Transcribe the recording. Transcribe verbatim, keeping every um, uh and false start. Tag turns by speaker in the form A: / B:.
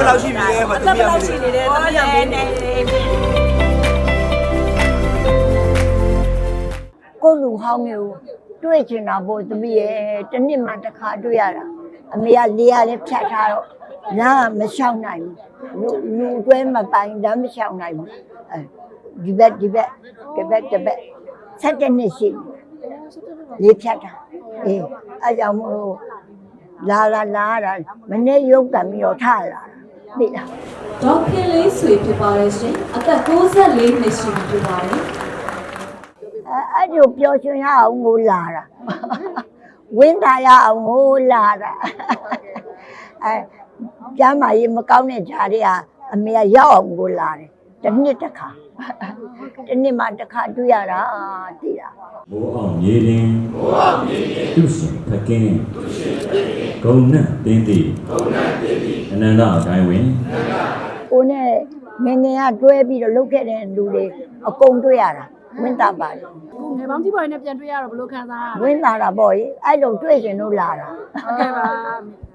A: ဘယ်လောက်ရှိပြီလဲမသိဘူးဘယ်လောက်ရှိနေလဲတမီးရမင်းနေ
B: ကိုလူဟောင်းမျိုးတွေ့ချင်တာပေါ့သမီးရဲ့တစ်နှစ်မှတစ်ခါတွေ့ရတာအမေကလေးရလည်းဖြတ်ထားတော့နားမလျှောက်နိုင်ဘူးလူလူတွဲမပိုင်ဒါမလျှောက်နိုင်ဘူးအဲဒီဘက်ဒီဘက်ဒီဘက်ဒီဘက်ဆက်တဲ့နှစ်ရှိလေးဖြတ်တာအေးအဲကြောင့်မို့လာလာလာတာမနေ့ရုပ်ကံပြီးတော့ထလာသိလား
C: ဒေါက်ခင်လေးဆွေဖြစ်ပါတယ်ရှင်အသက်၉၄နှစ်ရှိပြီဖြစ်ပါတယ်
B: အဲအဲ့ဒီပျော်ရွှင်ရအောင်ကိုလာတာဝင်းတာရအောင်ကိုလာတာအဲကျမ်းမာရေးမကောင်းတဲ့ဂျာတွေကအမေကရောက်အောင်ကိုလာတယ်တစ်နှစ်တစ်ခါတစ်နှစ်မှတစ်ခါတွေ့ရတာသိလား
D: မိုးအောင်မြေလင်းမိုးအောင်မြေလင်းသူရှင်ဖကင်းသူရှင်ဖကင်းဂုံနဲ့တင်းတီဂုံနဲ့တင်းတီအနန္တအတိုင်းဝင်
B: ကိုနဲ့ငငယ်ကတွဲပြီးတော့လုတ်ခဲ့တဲ့လူတွေအကုန်တွေ့ရတာဝင်းတာပါတယ်
E: ကိုငယ်ပေါင်းကြီးပေါ်နဲ့ပြန်တွေ့ရတော့ဘယ်လိုခံစားရလဲ
B: ဝင်းတာတာပေါ့အဲ့လိုတွေ့ရင်တော့လာတာ
E: ဟုတ်ကဲ့ပါ